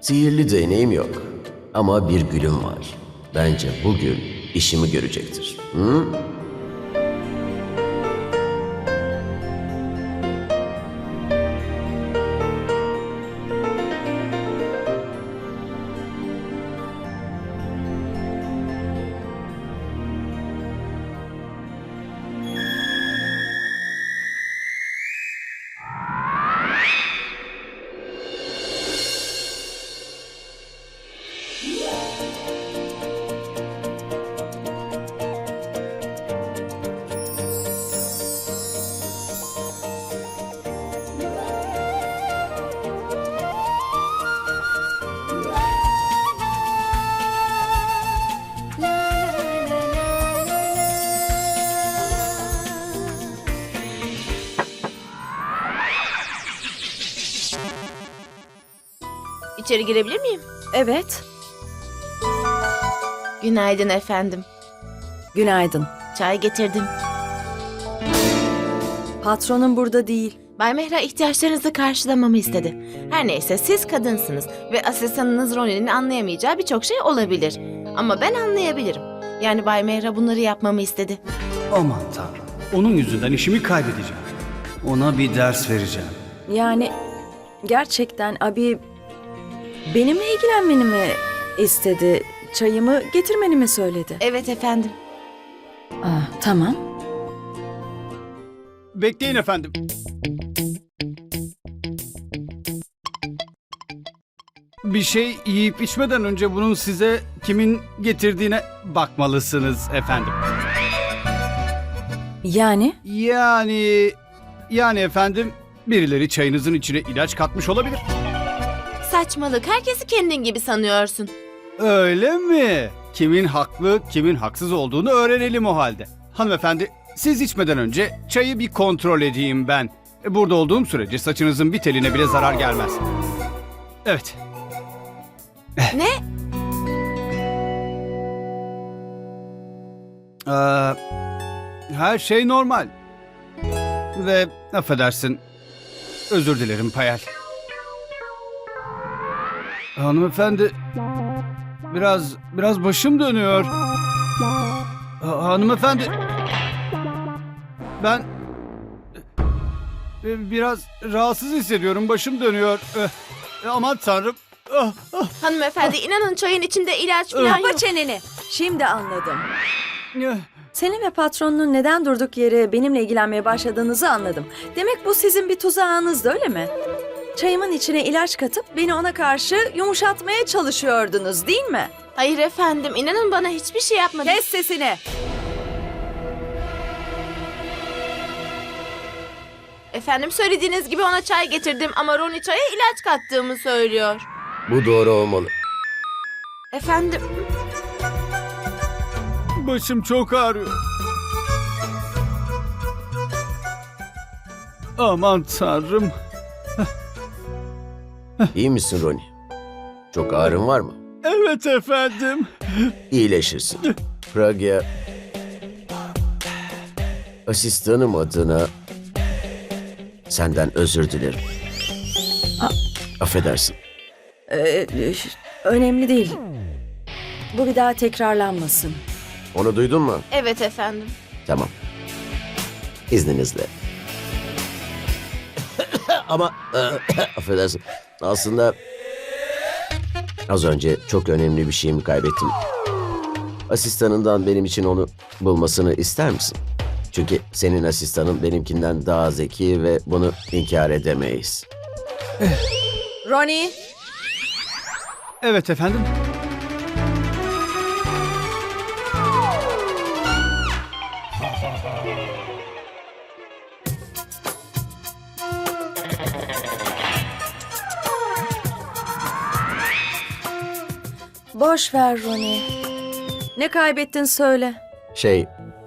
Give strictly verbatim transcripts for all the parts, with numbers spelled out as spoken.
Sihirli değneğim yok. Ama bir gülüm var. Bence bu gül işimi görecektir. Hı? İçeri girebilir miyim? Evet, Günaydın efendim. günaydın. Çay getirdim. Patronum burada değil. Bay Mehra ihtiyaçlarınızı karşılamamı istedi. Her neyse siz kadınsınız ve asistanınız Ronnie'nin anlayamayacağı birçok şey olabilir. Ama ben anlayabilirim. Yani Bay Mehra bunları yapmamı istedi. Aman tanrım. Onun yüzünden işimi kaybedeceğim. Ona bir ders vereceğim. Yani gerçekten abi benimle ilgilenmeni mi istedi? Çayımı getirmeni mi söyledi? Evet efendim. Aa, tamam. Bekleyin efendim. Bir şey yiyip içmeden önce bunun size kimin getirdiğine bakmalısınız efendim. Yani? Yani... Yani efendim birileri çayınızın içine ilaç katmış olabilir. Saçmalık. Herkesi kendin gibi sanıyorsun. Öyle mi? Kimin haklı, kimin haksız olduğunu öğrenelim o halde. Hanımefendi, siz içmeden önce çayı bir kontrol edeyim ben. Burada olduğum sürece saçınızın bir teline bile zarar gelmez. Evet. Ne? Ee, her şey normal. Ve affedersin, özür dilerim Payal. Hanımefendi, biraz biraz başım dönüyor. Ha- Hanımefendi, ben e, biraz rahatsız hissediyorum, başım dönüyor. E, aman tanrım. Ah, ah, Hanımefendi inanın çayın içinde ilaç falan Kapa yok. çeneni. Şimdi anladım. eh. Senin ve patronunun neden durduk yere benimle ilgilenmeye başladığınızı anladım. Demek bu sizin bir tuzağınızdı, öyle mi? Çayımın içine ilaç katıp beni ona karşı yumuşatmaya çalışıyordunuz, değil mi? Hayır efendim inanın bana hiçbir şey yapmadı. Kes sesini. Efendim söylediğiniz gibi ona çay getirdim ama Ronnie çaya ilaç kattığımı söylüyor. Bu doğru olmalı. Efendim Başım çok ağrıyor. Aman tanrım. İyi misin Ronnie? Çok ağrın var mı? Evet efendim. İyileşirsin. Pragya, asistanım adına senden özür dilerim. Affedersin. Ee, önemli değil. Bu bir daha tekrarlanmasın. Onu duydun mu? evet efendim. Tamam. İzninizle. Ama affedersin. Aslında az önce çok önemli bir şeyimi kaybettim. Asistanından benim için onu bulmasını ister misin? Çünkü senin asistanın benimkinden daha zeki ve bunu inkar edemeyiz. Ronnie, Evet efendim. boş ver Ronnie. Ne kaybettin söyle. Şey...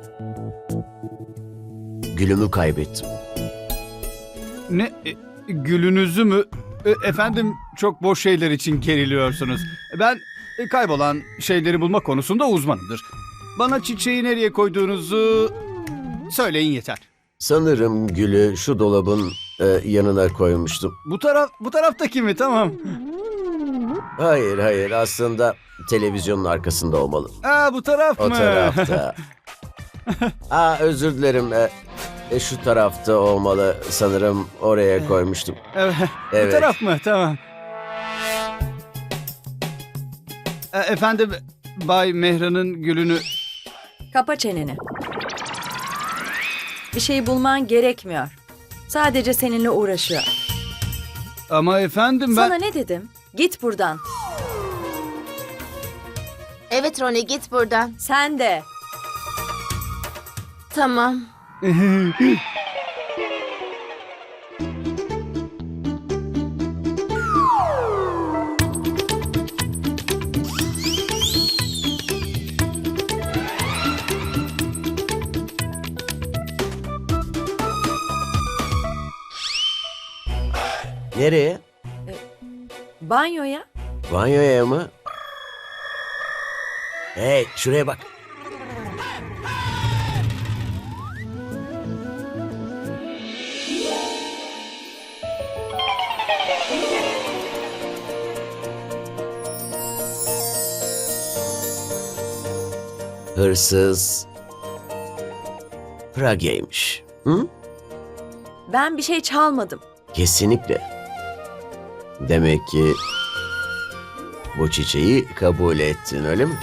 Gülümü kaybettim. Ne? e, Gülünüzü mü? E, Efendim çok boş şeyler için geriliyorsunuz. Ben e, kaybolan şeyleri bulma konusunda uzmanımdır. Bana çiçeği nereye koyduğunuzu söyleyin yeter. Sanırım gülü şu dolabın e, yanına koymuştum. Bu taraf bu taraftaki mi? Tamam. Hayır hayır aslında televizyonun arkasında olmalı. Aa, bu taraf O mı? tarafta. Aa özür dilerim. E, e, şu tarafta olmalı. Sanırım oraya koymuştum. Evet. Evet. Bu taraf mı? Tamam. E, efendim, Bay Mehra'nın gülünü... Kapa çeneni. Bir şey bulman gerekmiyor. Sadece seninle uğraşıyor. Ama efendim ben... Sana ne dedim? Git buradan. Evet Ronnie, git buradan. Sen de. Tamam. Nereye? Banyoya. Banyoya mı? Hey şuraya bak. Hırsız Pragya'ymış. Hı? Ben bir şey çalmadım. Kesinlikle. Demek ki bu çiçeği kabul ettin öyle mi?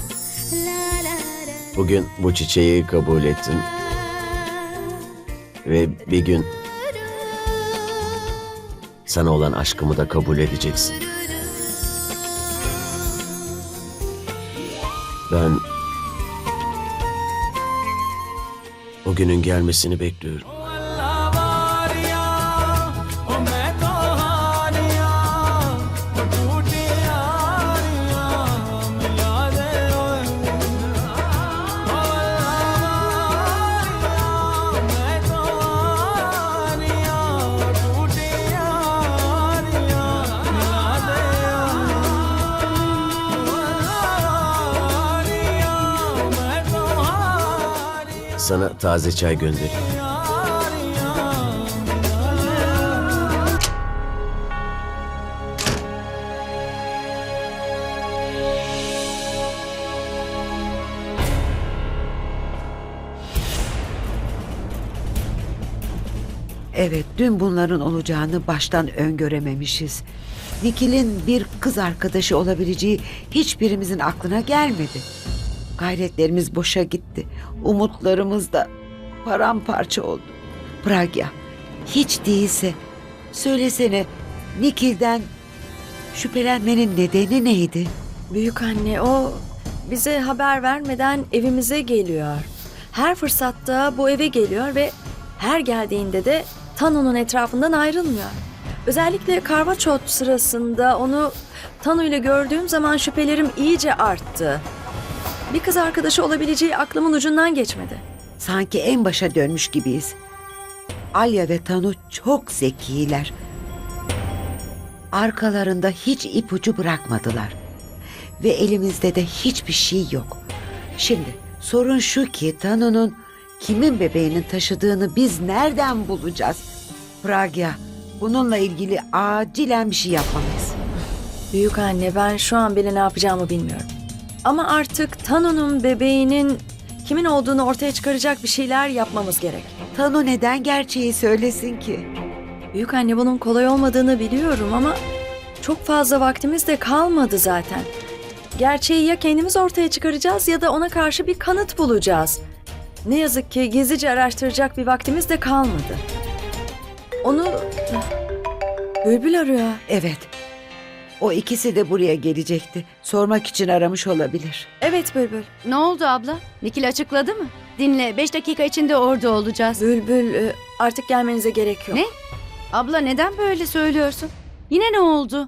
Bugün bu çiçeği kabul ettin. Ve bir gün sana olan aşkımı da kabul edeceksin. Ben o günün gelmesini bekliyorum. Sana taze çay göndereyim. Evet, dün bunların olacağını baştan öngörememişiz. Nikil'in bir kız arkadaşı olabileceği hiçbirimizin aklına gelmedi. Gayretlerimiz boşa gitti. Umutlarımız da paramparça oldu. Pragya, hiç değilse söylesene, Nikil'den şüphelenmenin nedeni neydi? Büyük anne, o bize haber vermeden evimize geliyor. Her fırsatta bu eve geliyor ve her geldiğinde de Tanu'nun etrafından ayrılmıyor. Özellikle karvaçot sırasında onu Tanu ile gördüğüm zaman şüphelerim iyice arttı. Bir kız arkadaşı olabileceği aklımın ucundan geçmedi. Sanki en başa dönmüş gibiyiz. Alya ve Tanu çok zekiler. Arkalarında hiç ipucu bırakmadılar. Ve elimizde de hiçbir şey yok. Şimdi sorun şu ki Tanu'nun kimin bebeğinin taşıdığını biz nereden bulacağız? Pragya, bununla ilgili acilen bir şey yapmalıyız. Büyük anne, ben şu an bile ne yapacağımı bilmiyorum. Ama artık Tanu'nun bebeğinin kimin olduğunu ortaya çıkaracak bir şeyler yapmamız gerek. Tanu neden gerçeği söylesin ki? Büyük anne, bunun kolay olmadığını biliyorum ama çok fazla vaktimiz de kalmadı zaten. Gerçeği ya kendimiz ortaya çıkaracağız ya da ona karşı bir kanıt bulacağız. Ne yazık ki gizlice araştıracak bir vaktimiz de kalmadı. Onu Bülbül arıyor. Evet. O ikisi de buraya gelecekti. Sormak için aramış olabilir. Evet Bülbül. Ne oldu abla? Nikil açıkladı mı? Dinle, beş dakika içinde orada olacağız. Bülbül, e, artık gelmenize gerek yok. Ne? Abla neden böyle söylüyorsun? Yine ne oldu?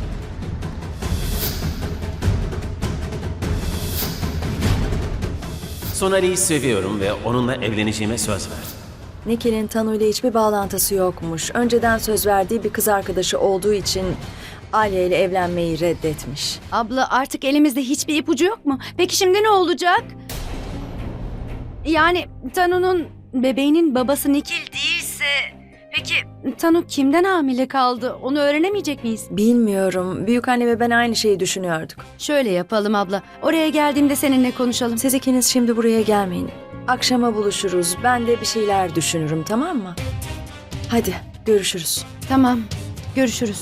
Sonali'yi seviyorum ve onunla evleneceğime söz verdim. Nikil'in Tanu ile hiçbir bağlantısı yokmuş. Önceden söz verdiği bir kız arkadaşı olduğu için Alya ile evlenmeyi reddetmiş. Abla artık elimizde hiçbir ipucu yok mu? Peki şimdi ne olacak? Yani Tanu'nun bebeğinin babası Nikil değilse... Peki Tanu kimden hamile kaldı? Onu öğrenemeyecek miyiz? Bilmiyorum. Büyükanne ve ben aynı şeyi düşünüyorduk. Şöyle yapalım abla. Oraya geldiğimde seninle konuşalım. Siz ikiniz şimdi buraya gelmeyin. Akşama buluşuruz. Ben de bir şeyler düşünürüm, tamam mı? Hadi görüşürüz. Tamam. Görüşürüz.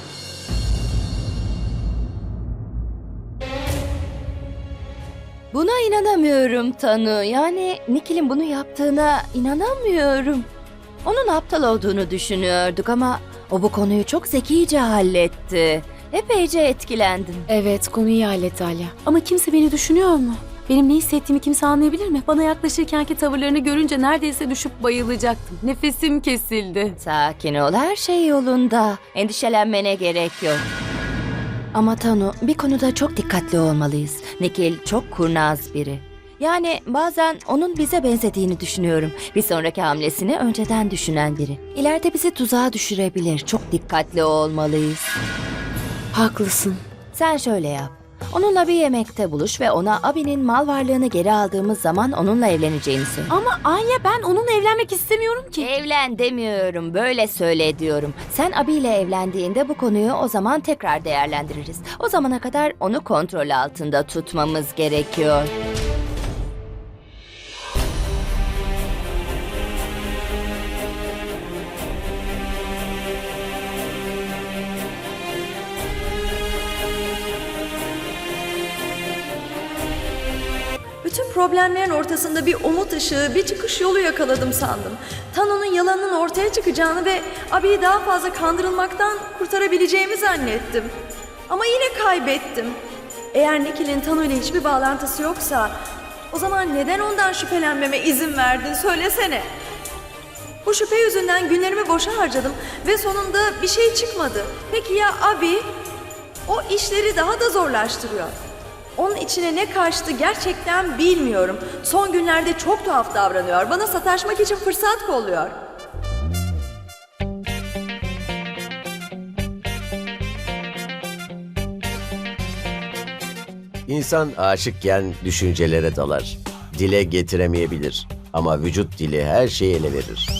Buna inanamıyorum Tanu. Yani Nikil'in bunu yaptığına inanamıyorum. Onun aptal olduğunu düşünüyorduk ama o bu konuyu çok zekice halletti. Epeyce etkilendim. Evet, konuyu iyi halletti Alya. Ama kimse beni düşünüyor mu? Benim ne hissettiğimi kimse anlayabilir mi? Bana yaklaşırkenki tavırlarını görünce neredeyse düşüp bayılacaktım. Nefesim kesildi. Sakin ol, her şey yolunda. Endişelenmene gerek yok. Ama Tanu, bir konuda çok dikkatli olmalıyız. Nikil çok kurnaz biri. Yani bazen onun bize benzediğini düşünüyorum. Bir sonraki hamlesini önceden düşünen biri. İleride bizi tuzağa düşürebilir. Çok dikkatli olmalıyız. Haklısın. Sen şöyle yap. Onunla bir yemekte buluş ve ona abinin mal varlığını geri aldığımız zaman onunla evleneceğini söyle. Ama Alya, ben onunla evlenmek istemiyorum ki. Evlen demiyorum, böyle söyle diyorum. Sen abiyle evlendiğinde bu konuyu o zaman tekrar değerlendiririz. O zamana kadar onu kontrol altında tutmamız gerekiyor. Bütün problemlerin ortasında bir umut ışığı, bir çıkış yolu yakaladım sandım. Tanu'nun yalanının ortaya çıkacağını ve abiyi daha fazla kandırılmaktan kurtarabileceğimi zannettim. Ama yine kaybettim. Eğer Nikil'in Tanu ile hiçbir bağlantısı yoksa, o zaman neden ondan şüphelenmeme izin verdin söylesene. Bu şüphe yüzünden günlerimi boşa harcadım ve sonunda bir şey çıkmadı. Peki ya abi? O işleri daha da zorlaştırıyor. Onun içine ne kaçtı gerçekten bilmiyorum. Son günlerde çok tuhaf davranıyor. Bana sataşmak için fırsat kolluyor. İnsan aşıkken düşüncelere dalar. Dile getiremeyebilir. Ama vücut dili her şeyi ele verir.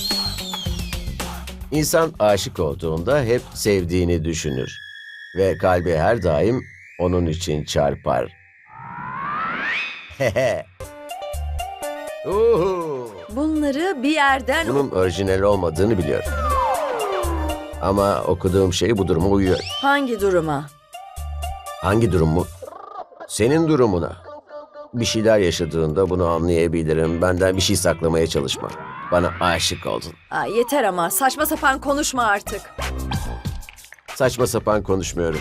İnsan aşık olduğunda hep sevdiğini düşünür. Ve kalbi her daim onun için çarpar. Hehe. Uhu. Bunları bir yerden... Bunun orijinal olmadığını biliyorum. Ama okuduğum şey bu duruma uyuyor. Hangi duruma? Hangi durum mu? Senin durumuna. Bir şeyler yaşadığında bunu anlayabilirim. Benden bir şey saklamaya çalışma. Bana aşık oldun. Aa, yeter ama saçma sapan konuşma artık. Saçma sapan konuşmuyorum.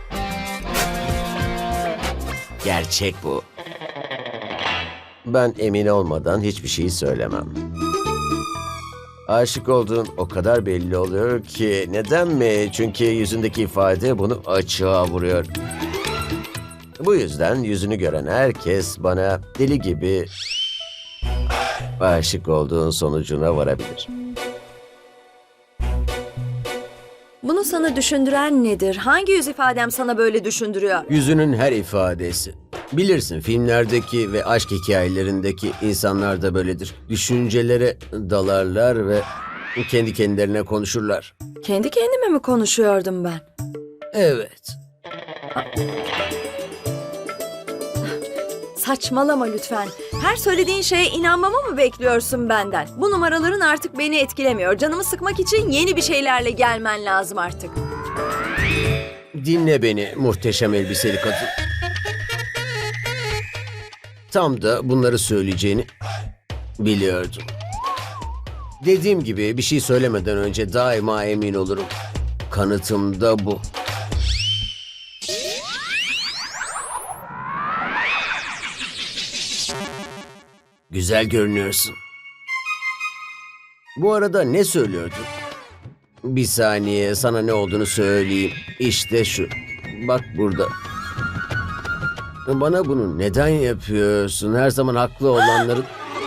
Gerçek bu. Ben emin olmadan hiçbir şey söylemem. Aşık olduğun o kadar belli oluyor ki neden mi? Çünkü yüzündeki ifade bunu açığa vuruyor. Bu yüzden yüzünü gören herkes bana deli gibi aşık olduğun sonucuna varabilir. Bunu sana düşündüren nedir? Hangi yüz ifadem sana böyle düşündürüyor? Yüzünün her ifadesi. Bilirsin, filmlerdeki ve aşk hikayelerindeki insanlar da böyledir. Düşüncelere dalarlar ve kendi kendilerine konuşurlar. Kendi kendime mi konuşuyordum ben? Evet. Saçmalama lütfen. Her söylediğin şeye inanmamı mı bekliyorsun benden? Bu numaraların artık beni etkilemiyor. Canımı sıkmak için yeni bir şeylerle gelmen lazım artık. Dinle beni muhteşem elbiseli kadın. Tam da bunları söyleyeceğini biliyordum. Dediğim gibi bir şey söylemeden önce daima emin olurum. Kanıtım da bu. Güzel görünüyorsun. Bu arada ne söylüyordun? Bir saniye, sana ne olduğunu söyleyeyim. İşte şu. Bak burada. Bana bunu neden yapıyorsun? Her zaman haklı olanların...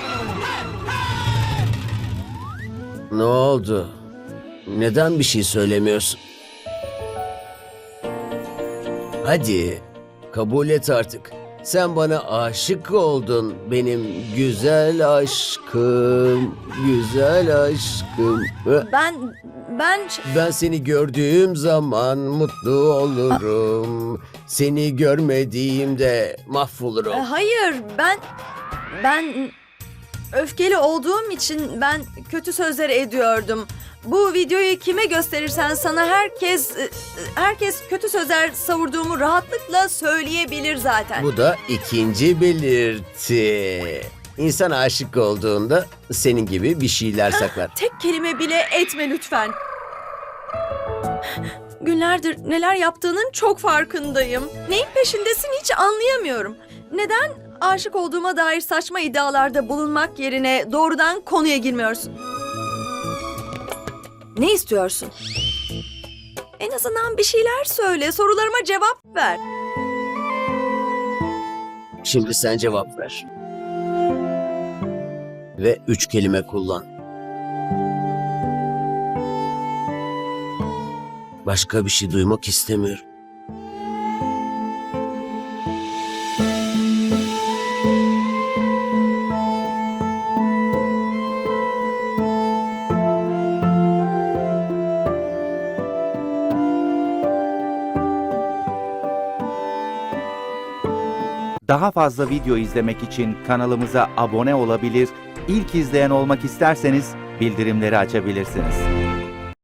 Ne oldu? Neden bir şey söylemiyorsun? Hadi, kabul et artık. Sen bana aşık oldun benim güzel aşkım, güzel aşkım. Ben, ben... Ben seni gördüğüm zaman mutlu olurum. Seni görmediğimde mahvolurum. E, Hayır, ben... Ben... Öfkeli olduğum için ben kötü sözler ediyordum. Bu videoyu kime gösterirsen sana herkes... e, Herkes kötü sözler savurduğumu rahatlıkla söyleyebilir zaten. Bu da ikinci belirti. İnsan aşık olduğunda senin gibi bir şeyler saklar. Tek kelime bile etme lütfen. Günlerdir neler yaptığının çok farkındayım. Neyin peşindesin hiç anlayamıyorum. Neden aşık olduğuma dair saçma iddialarda bulunmak yerine doğrudan konuya girmiyorsun? Ne istiyorsun? En azından bir şeyler söyle, sorularıma cevap ver. Şimdi sen cevap ver. Ve üç kelime kullan. Başka bir şey duymak istemiyorum. Daha fazla video izlemek için kanalımıza abone olabilir, ilk izleyen olmak isterseniz bildirimleri açabilirsiniz.